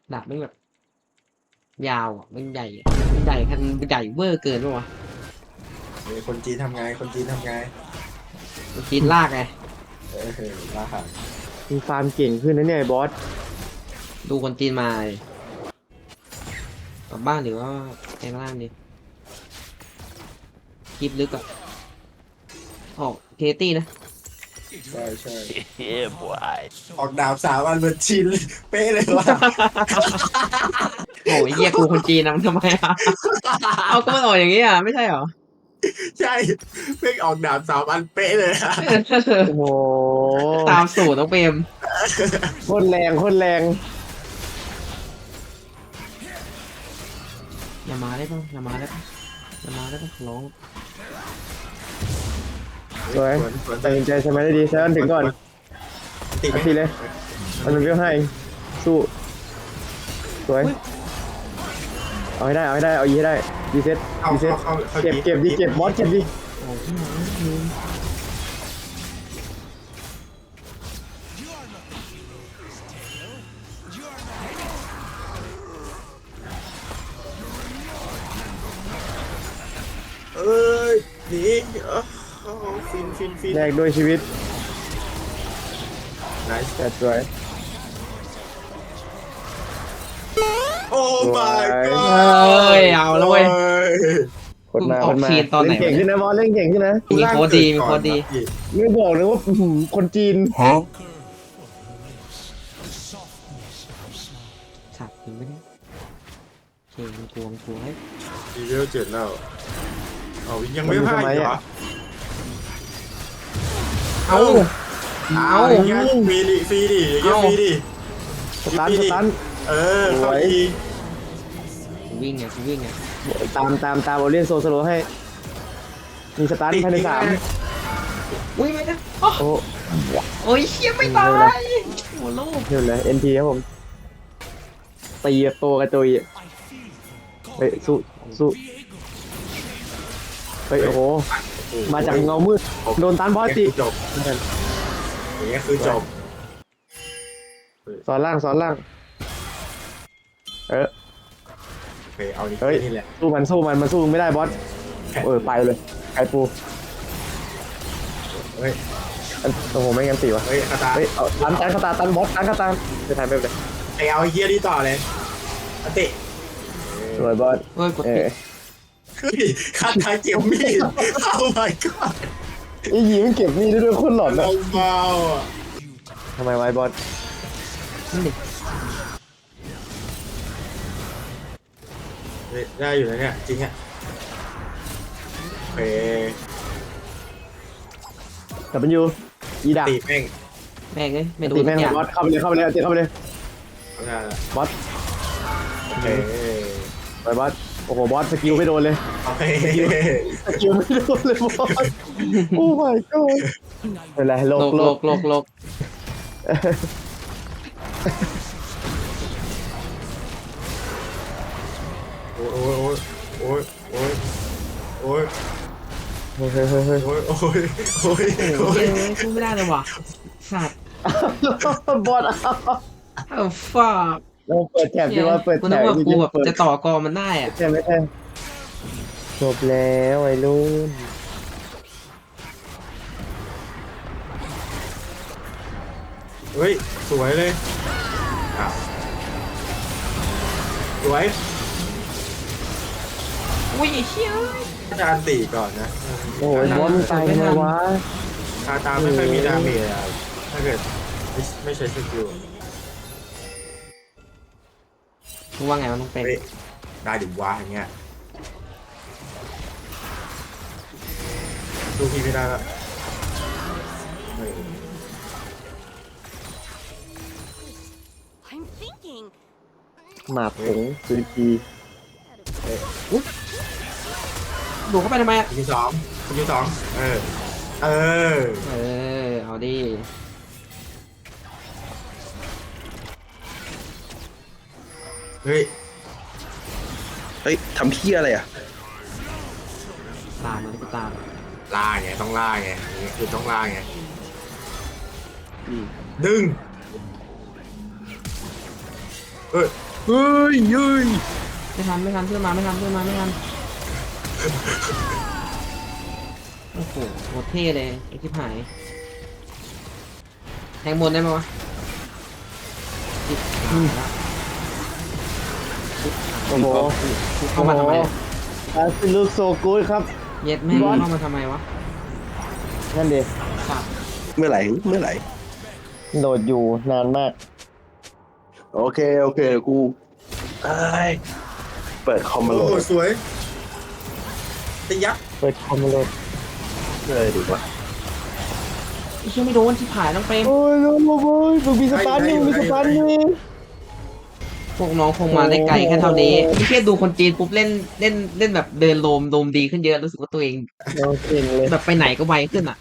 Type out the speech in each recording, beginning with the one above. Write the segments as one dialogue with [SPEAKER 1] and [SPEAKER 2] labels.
[SPEAKER 1] ดาบไม่แบบยาวอ่ะมันใหญ่มันใหญ่กันใหญ่เวอร์เกินปะวะ
[SPEAKER 2] คนจีนทำไงคนจีนทำไง
[SPEAKER 1] มันกินลากไง
[SPEAKER 2] ลาหาง
[SPEAKER 3] มีฟาร์มเก่งขึ้นนะเนี่ยไอ้บอส
[SPEAKER 1] ดูคนจีนมาเลยกลับบ้านหรือว่าแปลงร่างดิคลิปลึกอ่ะออกเคตี้นะ
[SPEAKER 2] ใช่ใช่
[SPEAKER 4] Yeah, boy.
[SPEAKER 2] ออกดาบ3 อันเหมือนชินเป๊ะเลยว่ะ
[SPEAKER 1] โอ้ยเหี้ยกูคนจีนนะมันทำไมอ่ะ เอาก็มันออกอย่างนี้อ่ะไม่ใช่เหรอ
[SPEAKER 2] ใช่เพ่งออกดาบ3 อันเป๊ะเลยอะ
[SPEAKER 3] โอ้โห
[SPEAKER 1] ตามสูตรน้องเปรม
[SPEAKER 3] โคตรแรงโคตรแรง
[SPEAKER 1] อย่ามาได้ป่ะอย่ามาได้ป่ะอย่ามาได้ป่ะขอร้อง
[SPEAKER 3] สวยตัดสินใจใช่ไหมได้ดีใช้อันถึงก่อน
[SPEAKER 2] ติดไหม
[SPEAKER 3] ทีเลยมันเป็นเรื่องให้สู้สวยเอาให้ได้เอาให้ได้เอายีให้ได้ดีเซ็ต
[SPEAKER 2] เข้า
[SPEAKER 3] ดีเซ็ต
[SPEAKER 2] เข้า
[SPEAKER 3] เก็บเก็บดีเก็บบอสเก็บดี
[SPEAKER 1] โอ้พี่หมอลืม
[SPEAKER 2] เอ้ยหนีฟินฟินฟิน
[SPEAKER 3] แลกด้วยชีวิต
[SPEAKER 2] ไนส์
[SPEAKER 3] แต่สวย
[SPEAKER 2] โอ้ my
[SPEAKER 1] เ
[SPEAKER 2] god
[SPEAKER 1] อ้ยเอาแล้วเว้ย
[SPEAKER 3] คนมา
[SPEAKER 1] อ
[SPEAKER 3] ค
[SPEAKER 1] อก
[SPEAKER 3] นมา
[SPEAKER 1] ทีมตอนไหน
[SPEAKER 3] เล่นเก่งขึ้นนะบอสเล่นเก่งขึ้นนะ
[SPEAKER 1] มีโค้ดดีมีโค้ดดี
[SPEAKER 3] ไม่บอกเลยว่าคนจีน
[SPEAKER 1] สัตว์จริงไหมเนี่ยเก่งมันกลัวมันกลัวให้
[SPEAKER 2] ดีเวล7แล้วเอายังไม่พลาดเหรอ
[SPEAKER 1] เอา
[SPEAKER 2] เอาอย่างเงี้ยฟรีดิฟรีดิอย่างเงี้ยฟรีดิ
[SPEAKER 3] สตันสตัน
[SPEAKER 2] เข้าอีก
[SPEAKER 1] กูวิ่งไงกูวิ่งไง
[SPEAKER 3] ตามโอเลียนโซสโลให้ มีสตันภายใน3
[SPEAKER 1] อุ้ยไม่ได้โอ้
[SPEAKER 3] โอ้
[SPEAKER 1] โอ้ยเชี่ยไม่ตายโอ้โลก
[SPEAKER 3] เห็นเลย NT ครับผมตีโตกระจุยเฮ้ยสู้เฮ้ยโอ้โหมาจากเงามืดโดนตันบอสติ
[SPEAKER 2] จบอย่างเงี้ยคือจบ
[SPEAKER 3] สอนล่าง
[SPEAKER 2] โอเคเอานี่
[SPEAKER 3] เฮ้ย
[SPEAKER 2] นี่แหละ
[SPEAKER 3] สู้มันสู้ไม่ได้บอสไปเลยไก่ปู
[SPEAKER 2] เฮ้ย
[SPEAKER 3] โอ้โหไม่งั้นตีวะ
[SPEAKER 2] เฮ้ยคาตา
[SPEAKER 3] เฮ้ยเอาตันคาตาตันบอสตันคาตาจะทำไม่เป็นไร
[SPEAKER 2] ไปเอาไอ้เฮียนี่ต่อเลยอติ
[SPEAKER 3] สวยบอส
[SPEAKER 1] เฮ้ยกดผิด
[SPEAKER 2] เฮ้ยคาตาเก็บมีดเอา my god
[SPEAKER 3] อีหญิงเก็บนี่ได้ด้วยคนหลอน
[SPEAKER 2] เบา
[SPEAKER 3] อะ
[SPEAKER 2] เบาอ่ะ
[SPEAKER 3] ทำไมไว้บอส
[SPEAKER 1] นั่นดิ
[SPEAKER 2] เฮ้ยได้อยู่นะเนี่ยจริงอ่ะโอเค
[SPEAKER 3] แต่มันอยู่อีดัก
[SPEAKER 2] ตีแม่ง
[SPEAKER 1] แม่งเอ้ยไม่ดู
[SPEAKER 3] ตี
[SPEAKER 1] ทุ
[SPEAKER 3] แม่ง
[SPEAKER 1] กอย่าง
[SPEAKER 3] บอสเข้าไปเลยตีเข้าไปเลย
[SPEAKER 2] เอาหน้าละ
[SPEAKER 3] บอส
[SPEAKER 2] โอเค
[SPEAKER 3] ไปบอสโอ้โหบอสสกิลไม่โดนเลย
[SPEAKER 2] โอเค
[SPEAKER 3] สกิลไม่โดนเลยบอสโอ้ my god เป็นไรโล
[SPEAKER 1] โล
[SPEAKER 3] ก
[SPEAKER 1] กโลกโลกโลก
[SPEAKER 2] โอ้ยโอ้ยโอ้ยโอ้ย
[SPEAKER 3] เฮ้ยเฮ้ยเฮ้ย
[SPEAKER 2] โอ้ยโอ้ยโอ้ย
[SPEAKER 1] โอ้
[SPEAKER 2] โอ้
[SPEAKER 1] ย
[SPEAKER 2] ย
[SPEAKER 1] พูดไม่ได้เลยว่ะสัตว์
[SPEAKER 3] บอส
[SPEAKER 1] เอ้าฟ้า
[SPEAKER 3] เราเปิดแถบดีว่าเปิด
[SPEAKER 1] กู
[SPEAKER 3] แถ
[SPEAKER 1] นึก
[SPEAKER 3] บ
[SPEAKER 1] ว่ากูแบบ
[SPEAKER 3] เปิด
[SPEAKER 1] จะต่อกรมันได้อะ
[SPEAKER 3] ใช่ไหมใช่จบแล้วไอ้รุ่น
[SPEAKER 2] เฮ้ยสวยเลยอ้าวสวย
[SPEAKER 1] อุ้ยไอ้เชี่ย
[SPEAKER 2] อาจารย์ตีก่อนนะ
[SPEAKER 3] โอ้ยบอสมึงตายทำไมวะ
[SPEAKER 2] คาตาไม่ค่อยมีดาเมจอะถ้าเกิดไม่ใช้สกิล
[SPEAKER 1] มึงว่าไงมันต้องเป็น
[SPEAKER 2] เฮ้ยได้ดิวะอย่างเงี้ยดูพี่ไม่ได้ละเฮ้ย
[SPEAKER 5] I'm thinking.
[SPEAKER 3] หมาผงสุริพี
[SPEAKER 1] ดูเข้าไปทำไมอะ
[SPEAKER 2] คุณที่สองเออ
[SPEAKER 1] เออเอาดิ
[SPEAKER 2] เฮ้ย
[SPEAKER 4] เฮ้ยทำเพี้ยอะไรอ่ะ
[SPEAKER 1] ตามมันกูตาม
[SPEAKER 2] ล่าไงต้องล่าไงอย่างเงี้ยคือต้องล่าไงดึงเฮ้ย
[SPEAKER 4] เฮ้ยเฮ้ย
[SPEAKER 1] ไม่ทันเพื่อนมาไม่ทันโอ้โหโคตรเท่เลยไอ้ที่หายแทงบนได้ไหมวะจิบหายละ
[SPEAKER 3] โอ้โห
[SPEAKER 1] เข้ามาทำไม
[SPEAKER 3] อาซิลูกโซกูดครับ
[SPEAKER 1] เย็ดแม่งเข้ามาทำไมวะ
[SPEAKER 3] นั่นดิ
[SPEAKER 1] สัตว์
[SPEAKER 4] เมื่อไหร่เมื่อไหร่
[SPEAKER 3] โหลดอยู่นานมาก
[SPEAKER 4] โอเคโอเคกูเอ้ยเปิดคอมมาโหล
[SPEAKER 2] โอ้
[SPEAKER 4] ด
[SPEAKER 2] สวยไอ้ยักษ์
[SPEAKER 3] เปิดคอมมาโหลด
[SPEAKER 4] เลยดีกว่า
[SPEAKER 1] ไอ้เชี่ยไม่โดนที่ผายน้องเปรม
[SPEAKER 3] โอ้ยโอ้ยโอ้ยมึงมีสตาร์ทนี่มีสตาร์ทนี่
[SPEAKER 1] พวกน้องคงมาได้ไกลแค่เท่านี้ไอ้เชี่ยดูคนจีนปุ๊บเล่นแบบเดินโลมดีขึ้นเยอะรู้สึกว่าตัวเอง
[SPEAKER 3] เราเก่งเลย
[SPEAKER 1] แบบไปไหนก็ไวขึ้นอ่ะ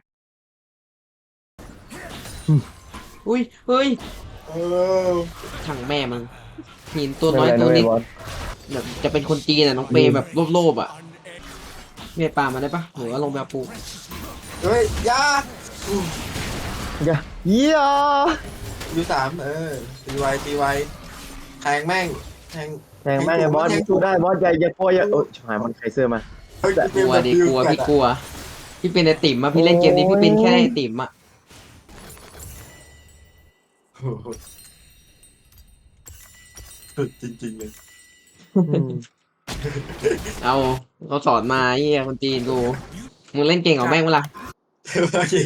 [SPEAKER 1] อุ้ยเฮ้ย
[SPEAKER 2] เออ
[SPEAKER 1] ถังแม่มันหินตัวน้อยตัวนิดแบบจะเป็นคนจีนอ่ะน้องเปรมแบบโลภๆอ่ะเมียปลามาได้ปะหรือว่าลงแบบปู
[SPEAKER 2] เฮ้ยยา
[SPEAKER 3] อย่าเยี่ย
[SPEAKER 2] ยูสามตีไวแทงแม่งแทง
[SPEAKER 3] แทงแม่งไอ้บอสสู้ได้บอสอย่ากลัวอย่าโอ้ยชิบหายมันไคเซอร์มา
[SPEAKER 2] เฮ้ย
[SPEAKER 1] กลัวดิกลัวพี่กลัวพี่เป็นไอติ่มอ่ะพี่เล่นเกมนี้พี่เป็นแค่ไอติ่มอ่ะ
[SPEAKER 2] โอ้โหสุดจริงๆเลย
[SPEAKER 1] เอาเขาสอนมาไอ้เหี้ยคนจีนกูมึงเล่นเก่งเหรอแม่งเวลา
[SPEAKER 2] โอเค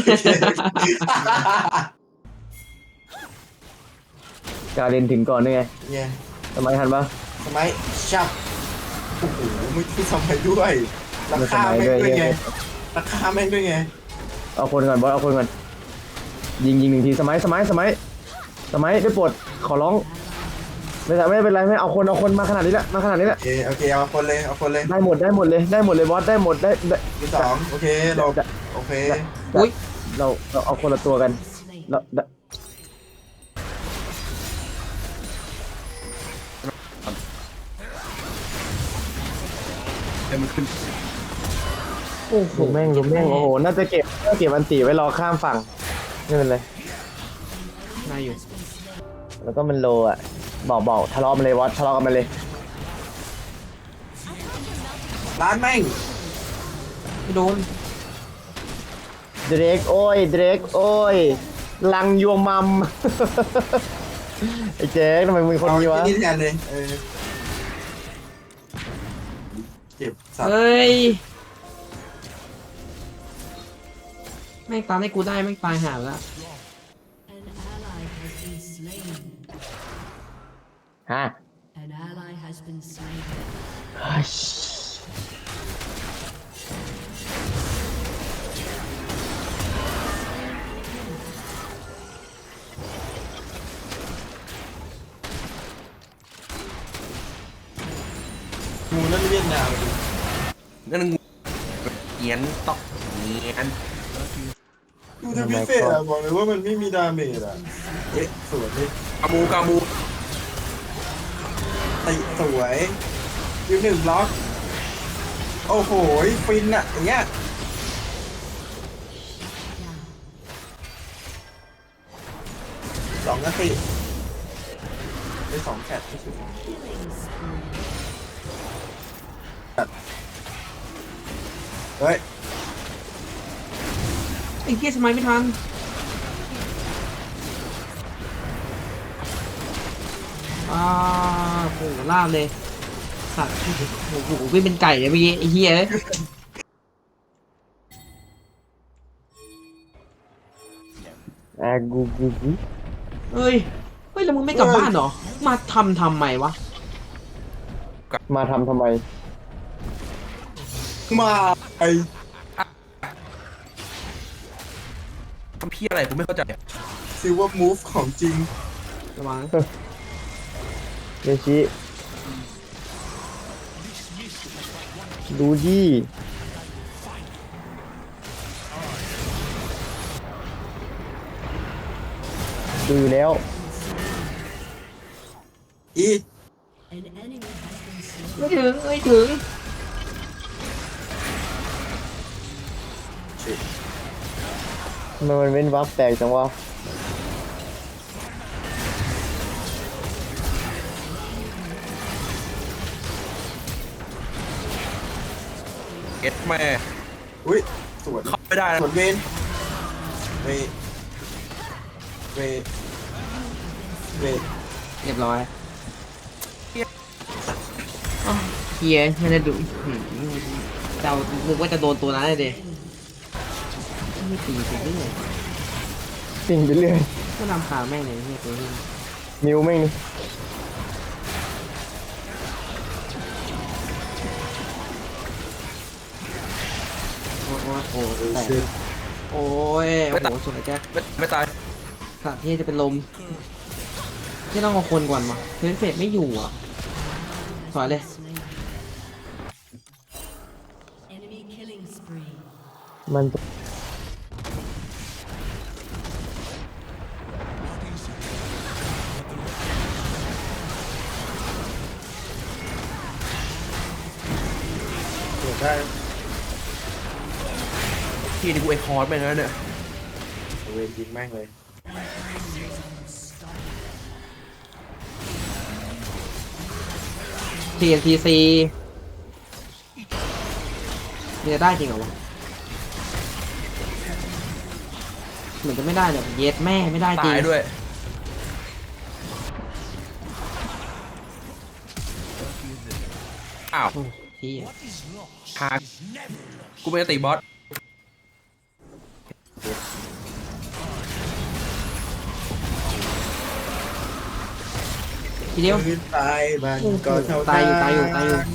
[SPEAKER 3] การเล่นถึงก่อนนี่ไง
[SPEAKER 2] เนี่ย
[SPEAKER 3] ทำไมทันปะ
[SPEAKER 2] ทำไมชับโอ้โหไม่ทำไมด้วยราคาแม่งด้วยไงราคาแม่งด้วยไง
[SPEAKER 3] เอาคนก่อนบอสเอาคนก่อนยิงหนึ่งทีสมัยได้โปรดขอร้องไม่เป็นไรไม่เอาคนมาขนาดนี้แล้ว
[SPEAKER 2] โอเคเอาคนเลย
[SPEAKER 3] ได้หมดเลยบอสได้หมดได้
[SPEAKER 2] ที่สองโอเคหลบโอเค
[SPEAKER 1] อุ้ย
[SPEAKER 3] เราเอาคนละตัวกันเรา
[SPEAKER 4] ให้มันขึ้น
[SPEAKER 1] โอ้โห
[SPEAKER 3] ลุมแม่งโอ้โหน่าจะเก็บอันตีไว้รอข้ามฝั่งไม่เป็นไร
[SPEAKER 1] ได้อยู่
[SPEAKER 3] แล้วก็มันโลอ่ะบอกทะเลาะมันเลยบอสทะเลาะกันมาเลย
[SPEAKER 2] ร้านแม่ง
[SPEAKER 1] ไม่โดน
[SPEAKER 3] เดรกโอ้ยลังยวงมัม ไอ้เจ๊ทำไมมึงคนนี้วะ
[SPEAKER 2] นี่แทนเลยเก็บสัตว์
[SPEAKER 1] เฮ้ยแม่งตามให้กูได้แม่งตายหาไปแล้ว
[SPEAKER 3] ฮะ
[SPEAKER 5] An ally has been slain.
[SPEAKER 2] งูนั่นเวียดนาม
[SPEAKER 4] นั่นงูเงียนตอกเงียน
[SPEAKER 2] ดูจะพิเศษอ่ะบอกเลยว่ามันไม่มีดาเมจอ่ะสวยเลย
[SPEAKER 4] กามู
[SPEAKER 2] ติสวยยูหนึ่งบล็อกโอ้โหฟินอ่ะอย่างเงี้ยสองนาทีได้สองแคทไม่ใช่เฮ้ย
[SPEAKER 1] ไอ้เหี้ยสมัยไม่ทันโหลาบเลยสัตว์โอ้โหวิ่งเป็นไก่เลยเมื่อกี้ไอ้เหี้ย
[SPEAKER 3] กู
[SPEAKER 1] เฮ้ยแล้วมึงไม่กลับบ้านเหรอมาทำไมวะ
[SPEAKER 3] มาทำไม
[SPEAKER 2] มาไอ
[SPEAKER 4] ทำพี่อะไรกูไม่เข้าใจ
[SPEAKER 2] ซิลเวอร์มูฟของจริง
[SPEAKER 1] ระวัง
[SPEAKER 3] เดชิดูดิดูอยู่แล้ว
[SPEAKER 2] อี
[SPEAKER 1] ไม่ถึง
[SPEAKER 3] ทำไมมันเว้นวักแตกจังวะ
[SPEAKER 6] เอ็ดแม่
[SPEAKER 2] อุ้ยสวน
[SPEAKER 6] เข้าไม่ได้
[SPEAKER 2] ส
[SPEAKER 6] นะ
[SPEAKER 2] วนเวนเวเวเว
[SPEAKER 1] เรียบร้อยอ้าวเฮียไม่ได้ดูเจ้านึกว่าจะโดนตัวนั้นเลยดิไม่ตีไปเรื่อย
[SPEAKER 3] สิ่งไปเรื่อย
[SPEAKER 1] ก็นำขาแม่งเลยเฮียตัวนี้
[SPEAKER 3] มิวแม่งนี่
[SPEAKER 1] โอ้ยโอ้ย
[SPEAKER 2] ดู
[SPEAKER 1] แตก
[SPEAKER 2] สิ
[SPEAKER 1] โอ้ยโอ้โหสวยแจ๊ค
[SPEAKER 6] ไม่ตาย
[SPEAKER 1] ขาดที่จะเป็นลมที่ต้องเอาคนก่อนมาเฟนเฟดไม่อยู่อ่ะถอยเลย
[SPEAKER 5] Enemy killing spree.
[SPEAKER 3] มัน
[SPEAKER 2] สวนได้
[SPEAKER 6] ที่นี่กูไอคอร์สไปแล้วเนี่ย
[SPEAKER 2] เวนยิงแม่งเลย
[SPEAKER 1] TNTC มันจะได้จริงเหรอวะเหมือนจะไม่ได้เลยเย็ดแม่ไม่ได้จริง
[SPEAKER 6] ตายด้วย อ้าว
[SPEAKER 1] โอ้เฮีย
[SPEAKER 6] หากูไม่ได้ตีบอส
[SPEAKER 1] ทีเดียว
[SPEAKER 2] พื้นตายมันก็เท่า
[SPEAKER 1] ตายอยู่ตายอยู่ตายอยู่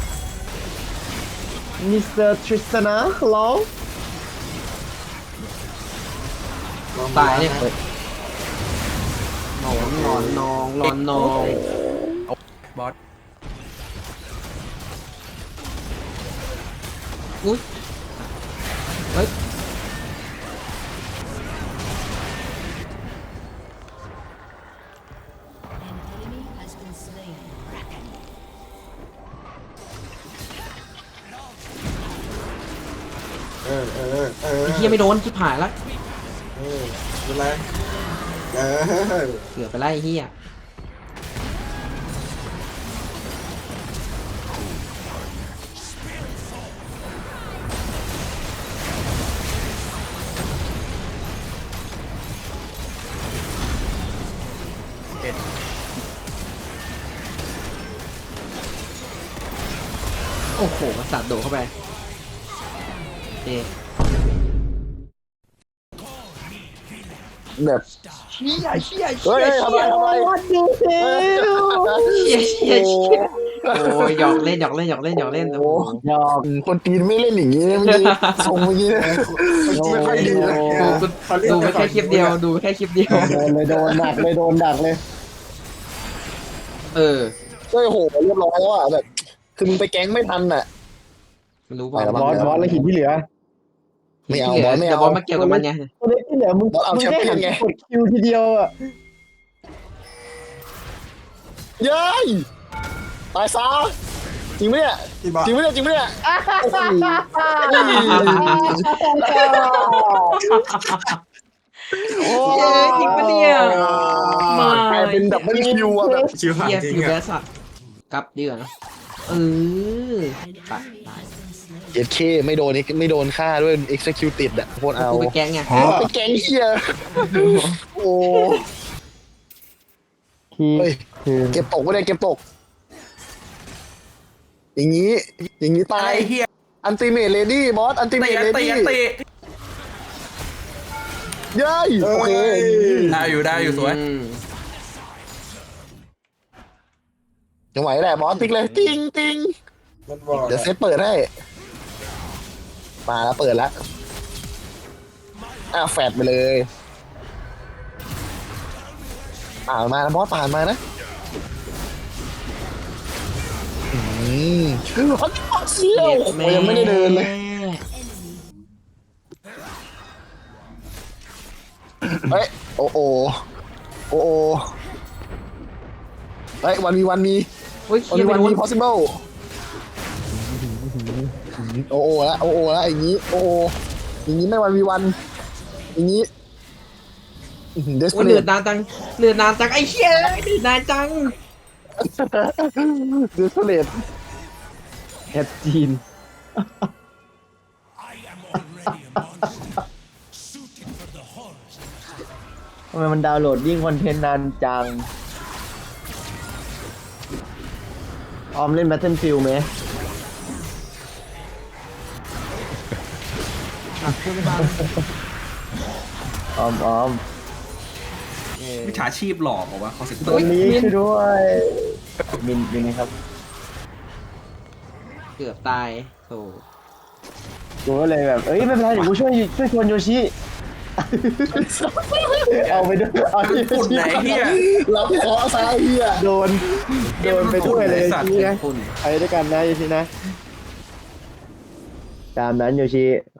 [SPEAKER 3] มิสเตอร์ทริสตานะฮัลโหล
[SPEAKER 1] ตายเนี่ยหนอนหนอนนองหลอนนอง
[SPEAKER 6] บอส
[SPEAKER 1] อุ้ยเฮ้ย
[SPEAKER 5] An enemy has been slain.
[SPEAKER 2] เออ
[SPEAKER 1] ไอ้เฮียไม่โดนชิบหายละ
[SPEAKER 2] เป็นไรเออ
[SPEAKER 1] เกือบไปไล่ไอ้เฮีย
[SPEAKER 6] เอ็ด
[SPEAKER 1] โอ้โหสัตว์โดดเข้าไปเอ๊ะ
[SPEAKER 4] แบบ
[SPEAKER 3] เฮ้ยทำไมวันดูเซล
[SPEAKER 1] เชี่ยเชี่ยเชี่ยโอ้ยหยอกเล่นหยอกเล่นหยอกเล่นหยอกเล่นโอ้โห
[SPEAKER 3] ยอม
[SPEAKER 4] คนจีนไม่เล่นอย่างนี้เมื่อกี้ส่งเมื่อกี้เนี่ยไม่ค่อยดีนะ
[SPEAKER 1] ดูไปแค่คลิปเดียวดูไปแค่คลิปเดียว
[SPEAKER 3] โดนเลยโดนดักเลยโดนดักเลย
[SPEAKER 1] เออ
[SPEAKER 4] เฮ้ยโหเรียบร้อยแล้วอ่ะแบบคือมึงไปแก๊งไม่ทันอ่ะ
[SPEAKER 1] ไม่รู้เปล่า
[SPEAKER 4] ไปแล้ว
[SPEAKER 3] บ
[SPEAKER 4] มั้
[SPEAKER 3] อสบอสแล้วหินที่เหลือ
[SPEAKER 4] ไม่เอา
[SPEAKER 1] ที่หลื
[SPEAKER 4] บอสไม่
[SPEAKER 1] เดี๋ยว
[SPEAKER 4] เอา
[SPEAKER 1] บอสมาเกี่ยวกับมันไง
[SPEAKER 3] ตัวเล็กที่เหลือมึง
[SPEAKER 4] บอสเอา
[SPEAKER 3] มึง
[SPEAKER 4] แชม
[SPEAKER 3] ได้
[SPEAKER 4] เปี้ย
[SPEAKER 3] หั
[SPEAKER 4] น
[SPEAKER 3] น
[SPEAKER 4] ไง
[SPEAKER 3] กดคิวทีเดียวอ่ะ
[SPEAKER 4] เย้ยตายซะจริงไหมเนี่ย
[SPEAKER 2] ที่บ้า
[SPEAKER 4] จริงไหมเนี่ยจริงไหมเนี่ยโอ้โห
[SPEAKER 3] โอ้
[SPEAKER 1] เย้จริงปะเนี่ยมาก
[SPEAKER 4] ลายเป็นดับเบิลคิวอ่ะแบบ
[SPEAKER 2] ชิวหาย
[SPEAKER 1] เฮีย
[SPEAKER 2] จริง
[SPEAKER 1] อยู่แบ
[SPEAKER 2] อ่ะ
[SPEAKER 1] สัตว์กลับดีกว่านะเออ
[SPEAKER 5] An
[SPEAKER 1] ตาย
[SPEAKER 5] enemy has been slain.
[SPEAKER 4] เอ็ดเคไม่โดนไม่โดนฆ่าด้วย executed อ่ะโคตรเอา
[SPEAKER 1] กูไปแก๊งไง
[SPEAKER 4] ไปแก๊งเฮียโอ้
[SPEAKER 3] คี
[SPEAKER 4] เฮ้ย
[SPEAKER 3] คือ
[SPEAKER 4] เก็บตกไม่ได้เก็บตก อย่างนี้ อย่างนี้
[SPEAKER 6] อะ
[SPEAKER 4] ตา
[SPEAKER 6] ไร
[SPEAKER 4] ย
[SPEAKER 6] เฮีย
[SPEAKER 4] อันติเมทเลดี้บอสอันติเม
[SPEAKER 6] ตี
[SPEAKER 4] ทเล
[SPEAKER 6] ตี
[SPEAKER 4] ดี้
[SPEAKER 6] ตี
[SPEAKER 4] เย้ยโอเค
[SPEAKER 6] ได้อยู่สวย
[SPEAKER 1] อืม
[SPEAKER 4] จังหวะนี้แหละบอสติ๊กเลยติ้งติ้ง
[SPEAKER 2] มันบอก
[SPEAKER 4] เดี๋ยวเซตเปิดให้มาแล้วเปิดแล้วแฟดไปเลยผ่านมานะบอสผ่านมานะฮอตพอตเซียวโอ้โหยังไม่ได้เดินเลย เฮ้ยโอ้โอโอ้โอเฮ้ยวันมี
[SPEAKER 1] เฮ้ย
[SPEAKER 4] วัน
[SPEAKER 1] เฮีย
[SPEAKER 4] มี
[SPEAKER 1] ไป
[SPEAKER 4] วัน
[SPEAKER 1] โด
[SPEAKER 4] มี
[SPEAKER 1] น
[SPEAKER 4] possible โอ้โอละโอ้โอละอย่างนี้โอ้โออย่างนี้ไม่วันมีวันอย่างนี้เดส
[SPEAKER 1] โอ้ย
[SPEAKER 4] เป
[SPEAKER 1] เลื
[SPEAKER 4] ร
[SPEAKER 1] อดนานจังเลือดนานจังไอ้เชี่ยเลือดนานจัง
[SPEAKER 4] เดสเปรต
[SPEAKER 3] แอดจีนทำไมมันดาวน์โหลดยิ่งคอนเทนต์นานจังออมเล่น Battlefield ไหม
[SPEAKER 1] คุณบาง
[SPEAKER 3] ออม
[SPEAKER 6] วิชาชีพหลอกเหรอวะขอเสียง
[SPEAKER 3] ตัวนี้ช่วยด้วยมินครับ
[SPEAKER 1] เกือบตายโธ่
[SPEAKER 3] กูก็เลยแบบ เอ้ยไม่เป็นไรเดี๋ยวกูช่วยชวนโยชิ เอาไปด้วยเอาไป
[SPEAKER 6] ฝุ่นไหนเฮีย
[SPEAKER 4] รับเคราะห์ซะไอ้เหี้ย
[SPEAKER 3] โดนไปด้วยเลย
[SPEAKER 6] ไอ้สัตว์
[SPEAKER 3] โยชินะ
[SPEAKER 1] คุณ
[SPEAKER 3] ไปด้วยกันนะโยชินะ ตามนั้นโยชิ